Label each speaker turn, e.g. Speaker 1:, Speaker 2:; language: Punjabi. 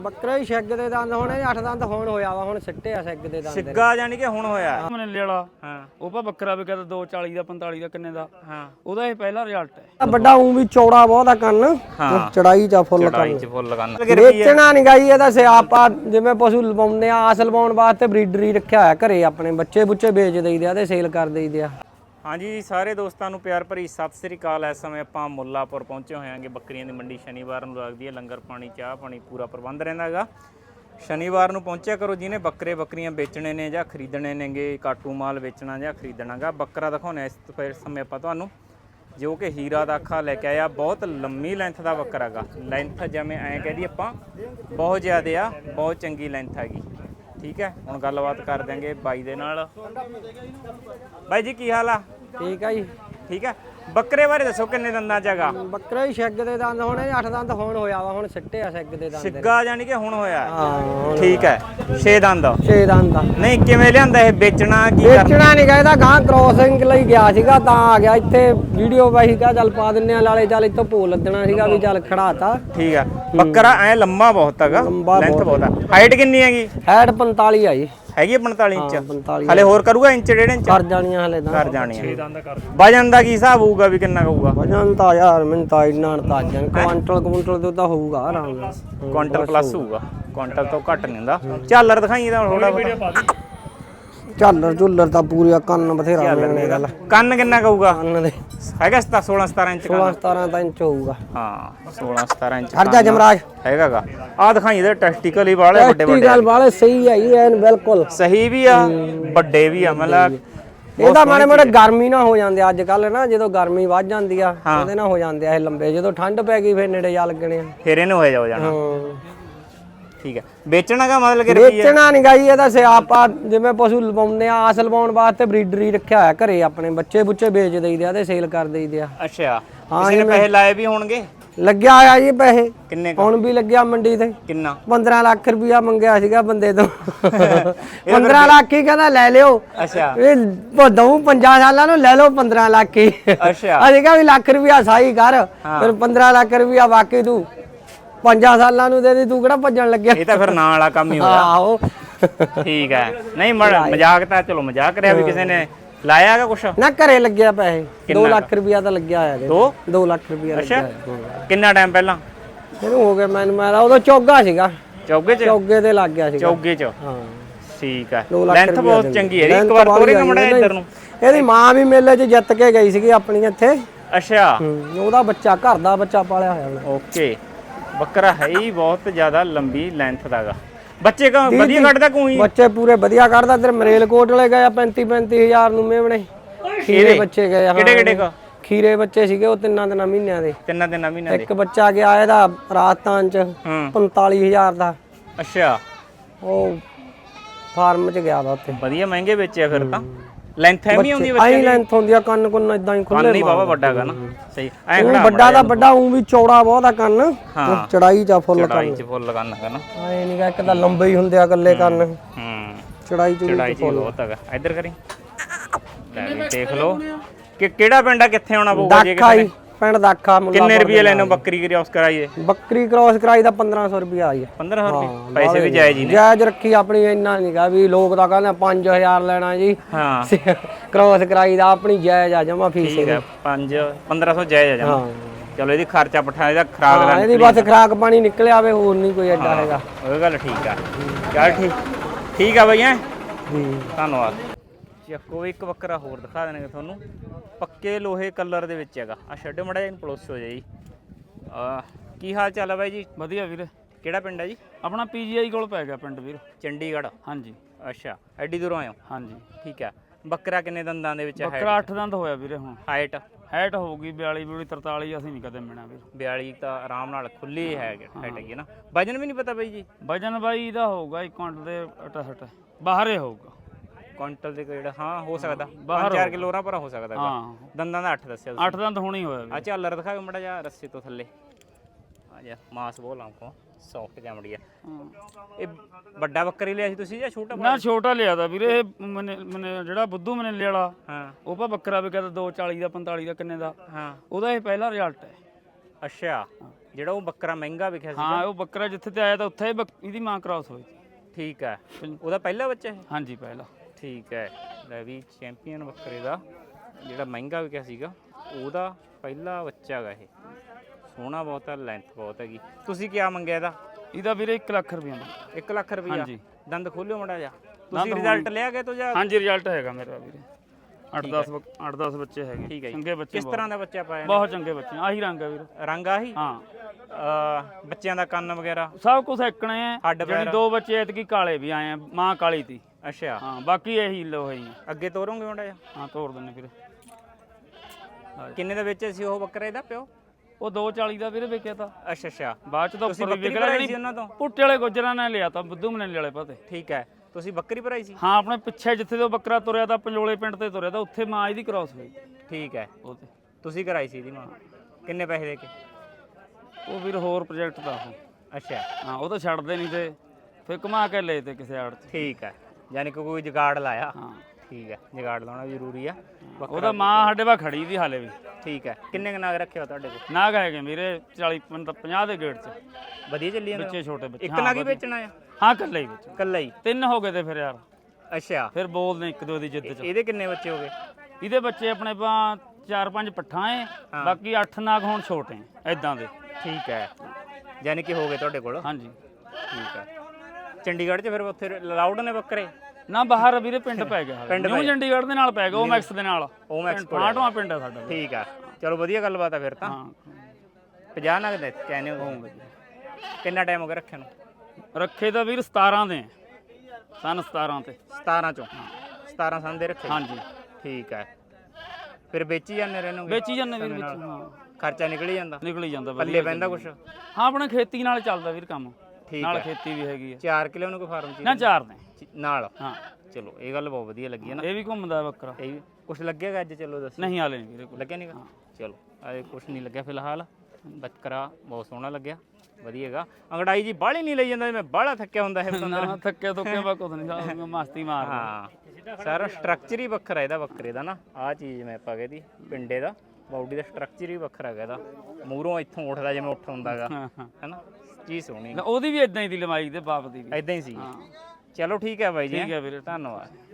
Speaker 1: ਬੱਕਰਾ ਹੀ ਛਿੱਗ ਦੇ ਦੰਦ ਹੋਣੇ 8 ਦੰਦ ਹੋਣ ਹੋਇਆ ਵਾ ਹੁਣ ਸਿੱਟੇ ਆ ਛਿੱਗ ਦੇ ਦੰਦ
Speaker 2: ਛਿੱਗਾ ਜਾਨੀ ਕਿ ਹੁਣ ਹੋਇਆ
Speaker 3: ਮਨੇਲੇ ਵਾਲਾ
Speaker 2: ਹਾਂ
Speaker 3: ਉਹ ਪਾ ਬੱਕਰਾ ਵੀ ਕਹਿੰਦਾ 240 ਦਾ 45 ਦਾ ਕਿੰਨੇ ਦਾ ਹਾਂ ਉਹਦਾ ਇਹ ਪਹਿਲਾ ਰਿਜ਼ਲਟ ਹੈ।
Speaker 1: ਵੱਡਾ ਉਂ ਵੀ ਚੌੜਾ ਬਹੁਤ ਆ ਕੰਨ ਚੜਾਈ ਚ ਫੁੱਲ
Speaker 2: ਚੜਾਈ ਚ ਫੁੱਲ ਕੰਨ
Speaker 1: ਵੇਚਣਾ ਨਹੀਂ ਗਾਈ ਇਹਦਾ ਸਿਆਪਾ ਜਿਵੇਂ ਪਸ਼ੂ ਲਵਾਉਂਦੇ ਆ ਆਸ ਲਵਾਉਣ ਵਾਸਤੇ ਬਰੀਡਰ ਹੀ ਰੱਖਿਆ ਹੋਇਆ ਘਰੇ ਆਪਣੇ ਬੱਚੇ ਬੁੱਚੇ ਵੇਚ ਦੇਈਦੇ ਆ ਤੇ ਸੇਲ ਕਰ ਦੇਈਦੇ ਆ।
Speaker 2: ਹਾਂਜੀ ਸਾਰੇ ਦੋਸਤਾਂ ਨੂੰ ਪਿਆਰ ਭਰੀ ਸਤਿ ਸ੍ਰੀ ਅਕਾਲ। ਇਸ ਸਮੇਂ ਆਪਾਂ ਮੁੱਲਾਪੁਰ ਪਹੁੰਚੇ ਹੋਏ ਹਾਂਗੇ। ਬੱਕਰੀਆਂ ਦੀ ਮੰਡੀ ਸ਼ਨੀਵਾਰ ਨੂੰ ਲੱਗਦੀ ਹੈ। ਲੰਗਰ ਪਾਣੀ ਚਾਹ ਪਾਣੀ ਪੂਰਾ ਪ੍ਰਬੰਧ ਰਹਿੰਦਾ ਹੈਗਾ। ਸ਼ਨੀਵਾਰ ਨੂੰ ਪਹੁੰਚਿਆ ਕਰੋ ਜਿਹਨੇ ਬੱਕਰੇ ਬੱਕਰੀਆਂ ਵੇਚਣੇ ਨੇ ਜਾਂ ਖਰੀਦਣੇ ਨੇਗੇ, ਕਾਟੂ ਮਾਲ ਵੇਚਣਾ ਜਾਂ ਖਰੀਦਣਾਗਾ। ਬੱਕਰਾ ਦਿਖਾਉਣਾ ਇਸ ਸਮੇਂ ਆਪਾਂ ਤੁਹਾਨੂੰ ਜੋ ਕਿ ਹੀਰਾ ਦਾ ਅੱਖਾਂ ਲੈ ਕੇ ਆਇਆ। ਬਹੁਤ ਲੰਮੀ ਲੈਂਥ ਦਾ ਬੱਕਰਾ ਹੈਗਾ। ਲੈਂਥ ਜਿਵੇਂ ਐਂ ਕਹਦੀ ਆਪਾਂ ਬਹੁਤ ਜ਼ਿਆਦੇ ਆ, ਬਹੁਤ ਚੰਗੀ ਲੈਂਥ ਹੈਗੀ। ਠੀਕ ਹੈ ਹੁਣ ਗੱਲਬਾਤ ਕਰ ਦਿਆਂਗੇ ਬਾਈ ਦੇ ਨਾਲ। ਬਾਈ ਜੀ ਕੀ ਹਾਲ ਆ?
Speaker 1: ਠੀਕ ਆ ਜੀ।
Speaker 2: ਠੀਕ ਹੈ ਬੱਕਰੇ ਬਾਰੇ ਦੱਸੋ ਕਿੰਨੇ ਦੰਦਾਂ ਚ ਹੈਗਾ?
Speaker 1: ਬੱਕਰਾ ਹੀ ਛਿੱਗ ਦੇ ਦੰਦ ਹੋਣੇ 8 ਦੰਦ ਹੋਣ ਹੋਇਆ ਵਾ ਹੁਣ ਸਿੱਟੇ ਆ ਛਿੱਗ ਦੇ ਦੰਦ
Speaker 2: ਛਿੱਗਾ ਜਾਨੀ ਕਿ ਹੁਣ ਹੋਇਆ
Speaker 1: ਹਾਂ
Speaker 2: ਠੀਕ ਹੈ 6 ਦੰਦ
Speaker 1: 6 ਦੰਦ ਦਾ
Speaker 2: ਨਹੀਂ ਕਿਵੇਂ ਲਿਆਂਦਾ ਇਹ ਵੇਚਣਾ ਕੀ ਕਰਨਾ?
Speaker 1: ਵੇਚਣਾ ਨਹੀਂ ਗਾਇਦਾ ਗਾਂ ਕ੍ਰੋਸਿੰਗ ਲਈ ਗਿਆ ਸੀਗਾ ਤਾਂ ਆ ਗਿਆ ਇੱਥੇ ਵੀਡੀਓ ਬਾਈ ਕਹਾ ਚੱਲ ਪਾ ਦਿੰਨੇ ਆ ਲਾਲੇ ਚੱਲ ਇੱਥੋਂ ਭੋ ਲੱਦਣਾ ਸੀਗਾ ਵੀ ਚੱਲ ਖੜਾਤਾ।
Speaker 2: ਠੀਕ ਆ ਬੱਕਰਾ ਐ ਲੰਮਾ ਬਹੁਤ ਹੈਗਾ, ਲੈਂਥ ਬਹੁਤ ਆ। ਹਾਈਟ ਕਿੰਨੀ ਹੈਗੀ?
Speaker 1: ਹਾਈਟ 45 ਆ ਜੀ।
Speaker 2: ਹੈਗੀ 45 ਇੰਚ
Speaker 1: 45
Speaker 2: ਹਲੇ ਹੋਰ ਕਰੂਗਾ ਇੰਚ 1.5 ਇੰਚ
Speaker 1: ਕਰ ਜਾਣੀਆਂ ਹਲੇ ਤਾਂ
Speaker 2: ਕਰ ਜਾਣੀਆਂ। ਵਜਨ ਦਾ ਕੀ ਹਿਸਾਬ ਹੋਊਗਾ ਵੀ ਕਿੰਨਾ ਹੋਊਗਾ?
Speaker 1: ਵਜਨ ਤਾਂ ਯਾਰ ਮੈਨੂੰ ਤਾਂ ਇੰਨਾ ਤਾਂ ਜਨ ਕੁਆਂਟਲ ਤੋਂ ਤਾਂ ਹੋਊਗਾ ਆਰਾਮ ਨਾਲ।
Speaker 2: ਕੁਆਂਟਲ ਪਲੱਸ ਹੋਊਗਾ, ਕੁਆਂਟਲ ਤੋਂ ਘੱਟ ਨਹੀਂ ਹੁੰਦਾ। ਝਾਲਰ ਦਿਖਾਈ ਤਾਂ ਥੋੜਾ ਬਹੁਤਾ।
Speaker 1: ਝਾਲਰ ਤਾਂ ਪੂਰੀ ਕੰਨ ਬਥੇਰਾ ਮਿਲਣੇ ਗੱਲ।
Speaker 2: ਕੰਨ ਕਿੰਨਾ ਕਹੂਗਾ?
Speaker 1: ਕੰਨ ਦੇ
Speaker 2: ਹੈਗਾ 16 17 ਇੰਚ
Speaker 1: 16 17 ਤਾਂ ਇੰਚ ਹੋਊਗਾ।
Speaker 2: ਹਾਂ 16 17 ਇੰਚ
Speaker 1: ਹਟ ਜਾ ਜਮਰਾਜ
Speaker 2: ਹੈਗਾਗਾ। ਆ ਦਿਖਾਈ ਇਹਦੇ ਟੈਸਟੀਕਲ ਹੀ ਵਾਲੇ ਵੱਡੇ ਵੱਡੇ
Speaker 1: ਗੱਲ ਵਾਲੇ ਸਹੀ ਹੈ ਜੀ ਐਨ ਬਿਲਕੁਲ
Speaker 2: ਸਹੀ ਵੀ ਆ ਵੱਡੇ ਵੀ ਆ। ਮਤਲਬ
Speaker 1: ਇਹਦਾ ਮਾੜੇ ਮਾੜੇ ਗਰਮੀ ਨਾ ਹੋ ਜਾਂਦੇ ਅੱਜ ਕੱਲ ਨਾ, ਜਦੋਂ ਗਰਮੀ ਵੱਧ ਜਾਂਦੀ ਆ ਉਹਦੇ ਨਾਲ ਹੋ ਜਾਂਦੇ ਆ ਇਹ ਲੰਬੇ। ਜਦੋਂ ਠੰਡ ਪੈ ਗਈ ਫਿਰ ਨੇੜੇ ਜਾ ਲੱਗਣੇ ਆ
Speaker 2: ਫਿਰ ਇਹਨੂੰ ਹੋ ਜਾਣਾ। ਠੀਕ ਹੈ ਵੇਚਣਾ ਦਾ ਮਤਲਬ ਕਿ
Speaker 1: ਵੇਚਣਾ ਨਹੀਂ ਗਾਈ ਇਹਦਾ ਸਿਆਪਾ ਜਿਵੇਂ ਪਸ਼ੂ ਲਵਾਉਂਦੇ ਆ ਆਸ ਲਵਾਉਣ ਵਾਸਤੇ ਬਰੀਡਰ ਹੀ ਰੱਖਿਆ ਹੋਇਆ ਘਰੇ ਆਪਣੇ ਬੱਚੇ ਬੁੱਚੇ ਵੇਚ ਦੇਈਦੇ ਆ ਤੇ ਸੇਲ ਕਰ ਦੇਈਦੇ ਆ।
Speaker 2: ਅੱਛਾ ਕਿਸੇ ਨੇ ਪੈਸੇ ਲਾਏ ਵੀ ਹੋਣਗੇ?
Speaker 1: ਲੱਗਿਆ ਆ ਜੀ ਪੈਸੇ
Speaker 2: ਕਿੰਨੇ
Speaker 1: ਹੁਣ ਵੀ ਲੱਗਿਆ ਮੰਡੀ ਤੇ।
Speaker 2: ਕਿੰਨਾ?
Speaker 1: 15 ਲੱਖ ਰੁਪਇਆ ਮੰਗਿਆ ਸੀਗਾ ਬੰਦੇ ਤੋਂ। 15 ਲੱਖ ਹੀ ਕਹਿੰਦਾ ਲੈ ਲਿਓ।
Speaker 2: ਅੱਛਾ
Speaker 1: ਇਹ ਦਊ 50 ਸਾਲਾਂ ਨੂੰ ਲੈ ਲਓ 15 ਲੱਖ ਹੀ।
Speaker 2: ਅੱਛਾ
Speaker 1: ਅਸੀਂ ਕਿਹਾ ਵੀ ਲੱਖ ਰੁਪਇਆ ਸਾਈ ਕਰ ਫਿਰ 15 ਲੱਖ ਰੁਪਇਆ ਬਾਕੀ ਤੂੰ 5 ਸਾਲਾਂ ਨੂੰ ਦੇ ਦੇ। ਤੂੰ ਕਿਹੜਾ ਭੱਜਣ ਲੱਗਿਆ?
Speaker 2: ਇਹ ਤਾਂ ਫਿਰ ਨਾਲ ਵਾਲਾ ਕੰਮ ਹੀ ਹੋਇਆ।
Speaker 1: ਆਹੋ
Speaker 2: ਠੀਕ ਹੈ ਨਹੀਂ ਮਜ਼ਾਕ ਤਾਂ ਚਲੋ ਮਜ਼ਾਕ ਕਰਿਆ ਵੀ ਕਿਸੇ ਨੇ ਲਾਇਆ ਹੈਗਾ ਕੁਛ
Speaker 1: ਨਾ ਘਰੇ ਲੱਗਿਆ ਪੈਸੇ 2 ਲੱਖ ਰੁਪਇਆ ਤਾਂ ਲੱਗਿਆ ਹੋਇਆ। 2 ਲੱਖ ਰੁਪਇਆ ਲੱਗਿਆ ਹੋਇਆ।
Speaker 2: ਕਿੰਨਾ ਟਾਈਮ ਪਹਿਲਾਂ?
Speaker 1: ਇਹਨੂੰ ਹੋ ਗਿਆ ਮੈਨੂੰ ਮੈਂ ਉਦੋਂ ਚੌਗਾ ਸੀਗਾ।
Speaker 2: ਚੌਗੇ ਚ?
Speaker 1: ਚੌਗੇ ਤੇ ਲੱਗ ਗਿਆ ਸੀਗਾ।
Speaker 2: ਚੌਗੇ ਚ
Speaker 1: ਹਾਂ
Speaker 2: ਠੀਕ ਹੈ ਲੈਂਥ ਬਹੁਤ ਚੰਗੀ ਹੈ। ਇੱਕ ਵਾਰ ਤੋਰੇ ਨਾ ਮੜਾ ਇੱਧਰ ਨੂੰ।
Speaker 1: ਇਹਦੀ ਮਾਂ ਵੀ ਮੇਲੇ 'ਚ ਜਿੱਤ ਕੇ ਗਈ ਸੀਗੀ ਆਪਣੀ ਇੱਥੇ।
Speaker 2: ਅੱਛਾ
Speaker 1: ਉਹਦਾ ਬੱਚਾ ਘਰ ਦਾ ਬੱਚਾ ਪਾਲਿਆ ਹੋਇਆ ਉਹਨੇ।
Speaker 2: ਓਕੇ ਬੱਕਰਾ ਹੈ ਹੀ ਬਹੁਤ ਜ਼ਿਆਦਾ ਲੰਬੀ ਲੈਂਥ ਦਾਗਾ। ਬੱਚੇ ਕਾ ਵਧੀਆ ਕੱਢਦਾ ਕੋਈ?
Speaker 1: ਬੱਚੇ ਪੂਰੇ ਵਧੀਆ ਕੱਢਦਾ। ਤੇ ਮਰੇਲਕੋਟ ਵਾਲੇ ਗਏ 35 ਹਜ਼ਾਰ ਨੂੰ ਮੇਵਣੇ। ਖੀਰੇ ਬੱਚੇ ਗਏ।
Speaker 2: ਕਿਹੜੇ ਕਿਹੜੇ ਕਾ?
Speaker 1: ਖੀਰੇ ਬੱਚੇ ਸੀਗੇ ਉਹ 3 ਮਹੀਨਿਆਂ ਦੇ।
Speaker 2: 3 ਮਹੀਨਿਆਂ ਦੇ।
Speaker 1: ਇੱਕ ਬੱਚਾ ਗਿਆ ਇਹਦਾ ਰਾਜਸਥਾਨ 'ਚ 45,000 ਦਾ।
Speaker 2: ਅੱਛਾ
Speaker 1: ਉਹ ਫਾਰਮ 'ਚ ਗਿਆ ਵਾ ਉੱਥੇ।
Speaker 2: ਵਧੀਆ ਮਹਿੰਗੇ ਵੇਚਿਆ ਫਿਰ ਤਾਂ। ਲੈਂਥ ਐਵੇਂ ਹੁੰਦੀ ਹੈ ਬੱਚੇ
Speaker 1: ਦੀ? ਲੈਂਥ ਹੁੰਦੀ ਆ ਕੰਨ ਕੁੰਨ ਇਦਾਂ ਹੀ ਖੁੱਲੇ।
Speaker 2: ਨਹੀਂ ਬਾਬਾ ਵੱਡਾ ਹੈਗਾ ਨਾ ਸਹੀ ਐ
Speaker 1: ਖੜਾ। ਵੱਡਾ ਦਾ ਵੱਡਾ ਉਂ ਵੀ ਚੌੜਾ ਬਹੁਤ ਆ ਕੰਨ। ਚੜਾਈ ਚ ਫੁੱਲ
Speaker 2: ਚੜਾਈ ਚ ਫੁੱਲ ਕੰਨ ਹੈਗਾ ਨਾ।
Speaker 1: ਐ ਨਹੀਂ ਗਾ ਇੱਕ ਤਾਂ ਲੰਬੇ ਹੀ ਹੁੰਦੇ ਆ ਇਕੱਲੇ ਕੰਨ। ਚੜਾਈ ਚ
Speaker 2: ਬਹੁਤ ਹੈਗਾ। ਇੱਧਰ ਕਰੀ ਲੈ ਵੀ ਦੇਖ ਲਓ ਕਿ ਕਿਹੜਾ ਪਿੰਡ ਆ ਕਿੱਥੇ ਆਉਣਾ ਪਊਗਾ ਜੇ
Speaker 1: ਦਾਖਾ ਪਿੰਡ ਦਾਖਾ।
Speaker 2: ਕਿੰਨੇ ਰੁਪਏ ਲੈਣੋ ਬੱਕਰੀ ਕ੍ਰਾਸ ਕਰਾਈਏ?
Speaker 1: ਬੱਕਰੀ ਕ੍ਰਾਸ ਕਰਾਈ ਦਾ 1500 ਰੁਪਏ ਆਈ।
Speaker 2: 1500 ਰੁਪਏ ਪੈਸੇ ਵੀ ਜਾਇਜ਼ ਹੀ ਨੇ।
Speaker 1: ਜਾਇਜ਼ ਰੱਖੀ ਆਪਣੀ ਇੰਨਾ ਨਹੀਂ ਗਾ ਵੀ ਲੋਕ ਤਾਂ ਕਹਿੰਦੇ 5000 ਲੈਣਾ ਜੀ।
Speaker 2: ਹਾਂ
Speaker 1: ਕ੍ਰਾਸ ਕਰਾਈ ਦਾ ਆਪਣੀ ਜਾਇਜ਼ ਆ ਜਮਾ ਫੀਸ।
Speaker 2: ਠੀਕ ਹੈ 1500 ਜਾਇਜ਼ ਆ ਜਮਾ। ਚਲੋ ਇਹਦੀ ਖਰਚਾ ਪਠਾ ਇਹਦਾ ਖਰਾਕ ਦਾ
Speaker 1: ਇਹਦੀ ਬਸ ਖਰਾਕ ਪਾਣੀ ਨਿਕਲਿਆ ਆਵੇ ਹੋਰ ਨਹੀਂ ਕੋਈ ਐਡਾ ਹੈਗਾ।
Speaker 2: ਉਹ ਗੱਲ ਠੀਕ ਆ। ਚੱਲ ਠੀਕ ਆ ਬਈ। ਧੰਨਵਾਦ। ਚੱਕੋ ਇੱਕ ਬੱਕਰਾ ਹੋਰ ਦਿਖਾ ਦੇਣਗੇ ਤੁਹਾਨੂੰ। ਪੱਕੇ ਲੋਹੇ ਕਲਰ ਦੇ ਵਿੱਚ ਹੈਗਾ। ਆ ਛੱਡੋ ਮੜਾ ਇਹਨੂੰ ਪਲੋਸ ਹੋ ਜਾਈ। ਕੀ ਹਾਲ ਚਾਲ ਹੈ ਬਾਈ ਜੀ?
Speaker 3: ਵਧੀਆ ਵੀਰੇ।
Speaker 2: ਕਿਹੜਾ ਪਿੰਡ ਹੈ ਜੀ?
Speaker 3: ਆਪਣਾ ਪੀਜੀਆਈ ਕੋਲ ਪੈ ਗਿਆ ਪਿੰਡ ਵੀਰ।
Speaker 2: ਚੰਡੀਗੜ੍ਹ?
Speaker 3: ਹਾਂਜੀ।
Speaker 2: ਅੱਛਾ ਐਡੀ ਦੂਰੋਂ ਆਇਓ?
Speaker 3: ਹਾਂਜੀ
Speaker 2: ਠੀਕ ਹੈ। ਬੱਕਰਾ ਕਿੰਨੇ ਦੰਦਾਂ ਦੇ ਵਿੱਚ ਹੈ?
Speaker 3: ਬੱਕਰਾ 8 ਦੰਦ ਹੋਇਆ ਵੀਰੇ ਹੁਣ।
Speaker 2: ਹਾਈਟ
Speaker 3: ਹੋਊਗੀ 42 43। ਅਸੀਂ ਨਹੀਂ ਕਦੇ ਮਿਣਾ ਵੀਰ।
Speaker 2: 42 ਤਾਂ ਆਰਾਮ ਨਾਲ ਖੁੱਲੀ ਹਾਈਟ ਹੈਗੀ ਨਾ। ਵਜਨ ਵੀ ਨਹੀਂ ਪਤਾ ਬਾਈ ਜੀ?
Speaker 3: ਵਜਨ ਬਾਈ ਇਹਦਾ ਹੋਊਗਾ 1 ਕੁਇੰਟਲ ਦੇ 68 ਬਾਹਰੇ ਹੋਊਗਾ।
Speaker 2: ਕੁਇੰਟਲ ਦੇ ਜਿਹੜਾ ਹਾਂ ਹੋ ਸਕਦਾ 5-4 ਕਿਲੋ ਹੋਰਾਂ ਪਰ ਹੋ ਸਕਦਾ।
Speaker 3: ਹਾਂ
Speaker 2: ਦੰਦਾਂ ਦਾ 8 ਦੱਸਿਆ
Speaker 3: 8 ਦੰਦ ਹੋਣੀ ਹੋਇਆ
Speaker 2: ਆ। ਝਾਲਰ ਦਿਖਾਓ ਮੜਾ ਜਾ ਰੱਸੇ ਤੋਂ ਥੱਲੇ ਆ ਜਾ। ਮਾਸ ਬੋਲਾਂ ਕੋ ਸੌਫਟ ਜਮੜੀ ਆ। ਇਹ ਵੱਡਾ ਬੱਕਰੀ ਲਿਆ ਸੀ ਤੁਸੀਂ ਜਾਂ ਛੋਟਾ?
Speaker 3: ਨਾ ਛੋਟਾ ਲਿਆ ਦਾ ਵੀਰੇ। ਇਹ ਮਨੇ ਜਿਹੜਾ ਬੁੱਧੂ ਮਨੇਲੇ ਵਾਲਾ
Speaker 2: ਹਾਂ
Speaker 3: ਉਹ ਪਾ ਬੱਕਰਾ ਵੀ ਕਹਿੰਦਾ 240 ਦਾ 45 ਦਾ ਕਿੰਨੇ ਦਾ।
Speaker 2: ਹਾਂ
Speaker 3: ਉਹਦਾ ਇਹ ਪਹਿਲਾ ਰਿਜ਼ਲਟ ਹੈ।
Speaker 2: ਅੱਛਾ ਜਿਹੜਾ ਉਹ ਬੱਕਰਾ ਮਹਿੰਗਾ ਵਿਕਿਆ ਸੀ?
Speaker 3: ਹਾਂ ਉਹ ਬੱਕਰਾ ਜਿੱਥੇ ਤੇ ਆਇਆ ਤਾਂ ਉੱਥੇ ਇਹਦੀ ਮਾਂ ਕ੍ਰਾਸ ਹੋਈ ਸੀ।
Speaker 2: ਠੀਕ ਹੈ, ਉਹਦਾ ਪਹਿਲਾ ਬੱਚਾ ਹੈ?
Speaker 3: ਹਾਂਜੀ ਪਹਿਲਾ।
Speaker 2: ਠੀਕ ਹੈ, ਲੈ ਵੀ ਚੈਂਪੀਅਨ ਬੱਕਰੇ ਦਾ ਜਿਹੜਾ ਮਹਿੰਗਾ ਵਿਕਿਆ ਸੀਗਾ ਉਹਦਾ ਪਹਿਲਾ ਬੱਚਾ ਹੈਗਾ ਇਹ। ਸੋਹਣਾ ਬਹੁਤ ਹੈ, ਲੈਂਥ ਬਹੁਤ ਹੈਗੀ। ਤੁਸੀਂ ਕੀ ਮੰਗਿਆ
Speaker 3: ਇਹਦਾ ਵੀਰੇ 1 ਲੱਖ ਰੁਪਏ ਦਾ।
Speaker 2: 1 ਲੱਖ ਰੁਪਇਆ?
Speaker 3: ਹਾਂਜੀ।
Speaker 2: ਦੰਦ ਖੋਲਿਓ ਮੜਾ ਜਾ। ਤੁਸੀਂ ਰਿਜ਼ਲਟ ਲਿਆ ਗਏ ਤੋ ਜਾਂ?
Speaker 3: ਹਾਂਜੀ ਰਿਜ਼ਲਟ ਹੈਗਾ ਮੇਰਾ ਵੀਰੇ। 8-10 ਬੱਚੇ ਹੈਗੇ।
Speaker 2: ਠੀਕ ਹੈ,
Speaker 3: ਚੰਗੇ ਬੱਚੇ।
Speaker 2: ਕਿਸ ਤਰ੍ਹਾਂ ਦਾ ਬੱਚਾ ਪਾਇਆ?
Speaker 3: ਬਹੁਤ ਚੰਗੇ ਬੱਚੇ, ਆਹੀ ਰੰਗ ਹੈ ਵੀਰੇ।
Speaker 2: ਰੰਗ ਆਹੀ?
Speaker 3: ਹਾਂ।
Speaker 2: ਬੱਚਿਆਂ ਦਾ ਕੰਨ ਵਗੈਰਾ
Speaker 3: ਸਭ ਕੁਝ ਇੱਕਣੇ ਹੈ।
Speaker 2: ਜਿਹੜੀ
Speaker 3: 2 ਬੱਚੇ ਐਤਕੀ ਕਾਲੇ ਵੀ ਆਏ ਆ, ਮਾਂ ਕਾਲੀ ਤੀ।
Speaker 2: ਅੱਛਾ।
Speaker 3: ਹਾਂ ਬਾਕੀ ਇਹੀ ਲੋਹੇ ਹੀ ਆ।
Speaker 2: ਅੱਗੇ ਤੋਰੋਂਗੇ ਮੜਾ ਜਾ?
Speaker 3: ਹਾਂ ਤੋੜ ਦਿੰਨੇ ਵੀਰੇ।
Speaker 2: ਕਿੰਨੇ ਦਾ ਵੇਚੇ ਸੀ ਉਹ ਬੱਕਰੇ ਦਾ ਪਿਓ?
Speaker 3: ਉਹ 240 ਦਾ ਵੀਰੇ ਵਿਕਿਆ ਤਾਂ।
Speaker 2: ਅੱਛਾ ਅੱਛਾ।
Speaker 3: ਬਾਅਦ ਚ ਤਾਂ ਉੱਪਰ ਵੀ ਵਿਕ
Speaker 2: ਰਿਹਾ ਸੀ ਉਹਨਾਂ ਤੋਂ?
Speaker 3: ਪੁੱਟੇ ਵਾਲੇ ਗੁੱਜਰਾਂ ਨੇ ਲਿਆ ਤਾਂ, ਬੁੱਧੂ ਮਨੇ ਵਾਲੇ ਪਾਤੇ।
Speaker 2: ਠੀਕ ਹੈ, ਤੁਸੀਂ ਬੱਕਰੀ ਭਰਾਈ ਸੀ?
Speaker 3: ਹਾਂ ਆਪਣੇ ਪਿੱਛੇ ਜਿੱਥੇ ਤੋਂ ਬੱਕਰਾ ਤੁਰਿਆ ਤਾਂ ਪੰਜੋਲੇ ਪਿੰਡ ਤੇ ਤੁਰਿਆ ਤਾਂ ਉੱਥੇ ਮਾਂ ਇਹਦੀ ਕ੍ਰਾਸ ਹੋਈ।
Speaker 2: ਠੀਕ ਹੈ,
Speaker 3: ਉਹ ਤੇ
Speaker 2: ਤੁਸੀਂ ਕਰਾਈ ਸੀ ਇਹਦੀ ਮਾਂ? ਕਿੰਨੇ ਪੈਸੇ ਦੇ ਕੇ?
Speaker 3: ਉਹ ਵੀਰ ਹੋਰ ਪ੍ਰੋਜੈਕਟ ਦਾ ਉਹ।
Speaker 2: ਅੱਛਾ।
Speaker 3: ਹਾਂ ਉਹ ਤਾਂ ਛੱਡਦੇ ਨਹੀਂ ਤੇ ਫਿਰ ਘੁਮਾ ਕੇ ਲਏ ਤੇ ਕਿਸੇ ਆੜ 'ਚ।
Speaker 2: ਠੀਕ ਹੈ, ਯਾਨੀ ਕਿ ਕੋਈ ਜੁਗਾੜ ਲਾਇਆ।
Speaker 3: ਹਾਂ
Speaker 2: ਠੀਕ ਹੈ, ਜੁਗਾੜ ਲਾਉਣਾ ਵੀ ਜ਼ਰੂਰੀ ਆ।
Speaker 3: ਉਹਦਾ ਮਾਂ ਸਾਡੇ ਵਾ ਖੜੀ ਦੀ ਹਾਲੇ ਵੀ।
Speaker 2: ਠੀਕ ਹੈ, ਕਿੰਨੇ ਨਾਗ ਰੱਖੇ ਹੋ ਤੁਹਾਡੇ ਕੋਲ?
Speaker 3: ਨਾਗ ਹੈਗੇ ਵੀਰੇ 40-50 ਦੇ ਗੇਟ 'ਚ।
Speaker 2: ਵਧੀਆ ਚੱਲੀ ਜਾਂਦਾ?
Speaker 3: ਬੱਚੇ ਛੋਟੇ ਬੱਚੇ।
Speaker 2: ਇੱਕ ਨਾਗ ਹੀ ਵੇਚਣਾ ਆ?
Speaker 3: ਹਾਂ ਇਕੱਲੇ ਹੀ ਵਿੱਚ।
Speaker 2: ਇਕੱਲਾ ਹੀ?
Speaker 3: 3 ਹੋ ਗਏ ਤੇ ਫਿਰ ਯਾਰ।
Speaker 2: ਅੱਛਾ।
Speaker 3: ਫਿਰ ਬੋਲਦੇ ਇੱਕ ਦੋ ਦੀ ਜਿੱਦ 'ਚ।
Speaker 2: ਇਹਦੇ ਕਿੰਨੇ ਬੱਚੇ ਹੋ ਗਏ?
Speaker 3: ਇਹਦੇ ਬੱਚੇ ਆਪਣੇ ਪਾ 4-5 ਪੱਠਾਂ ਏ, ਬਾਕੀ 8 ਨਾਗ ਹੁਣ ਛੋਟੇ ਐਦਾਂ ਦੇ।
Speaker 2: ਠੀਕ ਹੈ, ਯਾਨੀ ਕਿ ਹੋ ਗਏ ਤੁਹਾਡੇ ਕੋਲ?
Speaker 3: ਹਾਂਜੀ।
Speaker 2: ਠੀਕ ਹੈ। ਚੰਡੀਗੜ੍ਹ 'ਚ ਫਿਰ ਉੱਥੇ ਲਾਊਡ ਨੇ ਬੱਕਰੇ?
Speaker 3: ਨਾ ਬਾਹਰ ਵੀਰੇ ਪਿੰਡ ਪੈ ਗਿਆ। ਨਿਊ ਚੰਡੀਗੜ੍ਹ ਦੇ ਨਾਲ ਪੈ ਗਿਆ, ਉਹ ਮੈਕਸ ਦੇ ਨਾਲ।
Speaker 2: ਉਹ ਮੈਕਸ ਕੋਲ
Speaker 3: ਆਟਵਾ ਪਿੰਡ ਹੈ ਸਾਡਾ।
Speaker 2: ਠੀਕ ਹੈ, ਚਲੋ ਵਧੀਆ ਗੱਲਬਾਤ ਆ ਫਿਰ ਤਾਂ।
Speaker 3: ਹਾਂ
Speaker 2: 50 ਨਗ ਦੇ ਕਹਿੰਦੇ ਹੋ? ਕਿੰਨਾ ਟਾਈਮ ਹੋ ਗਿਆ ਰੱਖਿਆ ਨੂੰ?
Speaker 3: ਰੱਖੇ ਤਾਂ ਵੀਰ 17 ਦੇ ਸਨ 17 ਤੇ।
Speaker 2: 17 ਚੋਂ? 17 ਸੰਨ ਦੇ ਰੱਖੇ?
Speaker 3: ਹਾਂਜੀ।
Speaker 2: ਠੀਕ ਹੈ, ਫਿਰ ਵੇਚੀ ਜਾਂਦੇ ਰਹਿਣੋਗੇ?
Speaker 3: ਵੇਚੀ ਜਾਂਦੇ ਵੀਰ ਵਿੱਚ। ਹਾਂ
Speaker 2: ਖਰਚਾ ਨਿਕਲ ਹੀ ਜਾਂਦਾ?
Speaker 3: ਨਿਕਲ ਹੀ ਜਾਂਦਾ।
Speaker 2: ਪੱਲੇ ਪੈਂਦਾ ਕੁਛ?
Speaker 3: ਹਾਂ ਆਪਣੇ ਖੇਤੀ ਨਾਲ ਚੱਲਦਾ ਵੀਰ ਕੰਮ।
Speaker 2: ਠੀਕ
Speaker 3: ਨਾਲ
Speaker 2: ਹੈ।
Speaker 3: ਖੇਤੀ ਵੀ ਹੈਗੀ ਆ।
Speaker 2: 4 ਕਿਲੋ ਨੂੰ ਕੋਈ ਫਾਰਮ ਚ?
Speaker 3: ਨਾ 4 ਨੇ
Speaker 2: ਨਾਲ?
Speaker 3: ਹਾਂ।
Speaker 2: ਚਲੋ ਇਹ ਗੱਲ ਬਹੁਤ ਵਧੀਆ ਲੱਗੀ ਹੈ ਨਾ।
Speaker 3: ਇਹ ਵੀ ਘੁੰਮਦਾ ਬੱਕਰਾ।
Speaker 2: ਇਹ ਵੀ ਕੁਛ ਲੱਗੇਗਾ ਅੱਜ? ਚਲੋ ਦੱਸੋ।
Speaker 3: ਨਹੀਂ ਹਾਲੇ ਨਹੀਂ ਵੀਰੇ ਕੋਈ
Speaker 2: ਲੱਗਿਆ ਨਹੀਂਗਾ? ਚਲੋ ਅਜੇ ਕੁਛ ਨਹੀਂ ਲੱਗਿਆ ਫਿਲਹਾਲ। ਬੱਕਰਾ ਬਹੁਤ ਸੋਹਣਾ ਲੱਗਿਆ, ਵਧੀਆ ਹੈਗਾ। ਅੰਗੜਾਈ ਜੀ ਬਾਹਲੀ ਨਹੀਂ ਲਈ ਜਾਂਦਾ, ਮੈਂ ਬਾਹਲਾ ਥੱਕਿਆ ਹੁੰਦਾ ਹੈ ਪਤੰਦਰ।
Speaker 3: ਨਾ ਥੱਕੇ ਥੁੱਕੇ ਬਾ ਕੁਝ ਨਹੀਂ, ਮਸਤੀ ਮਾਰ।
Speaker 2: ਹਾਂ ਸਾਰਾ ਸਟਰਕਚਰ ਹੀ ਵੱਖਰਾ ਇਹਦਾ ਬੱਕਰੇ ਦਾ ਨਾ। ਆਹ ਚੀਜ਼ ਮੈਂ ਪਾ ਗਈ ਦੀ ਪਿੰਡੇ ਦਾ ਬਾਡੀ ਦਾ ਸਟਰਕਚਰ ਹੀ ਵੱਖਰਾ ਹੈਗਾ ਇਹਦਾ। ਮੂਹਰੋਂ ਇੱਥੋਂ ਉੱਠਦਾ ਜਿਵੇਂ ਉੱਠ ਹੁੰਦਾਗਾ, ਹੈਨਾ। ਚੀਜ਼ ਸੋਹਣੀ।
Speaker 3: ਉਹਦੀ ਵੀ ਇਦਾਂ ਹੀ ਦੀ ਲੰਬਾਈ ਦੇ ਬਾਪ ਦੀ ਵੀ
Speaker 2: ਇਦਾਂ ਹੀ ਸੀ? ਚਲੋ ਠੀਕ ਹੈ ਬਾਈ ਜੀ,
Speaker 3: ਠੀਕ ਹੈ ਵੀਰੇ,
Speaker 2: ਧੰਨਵਾਦ।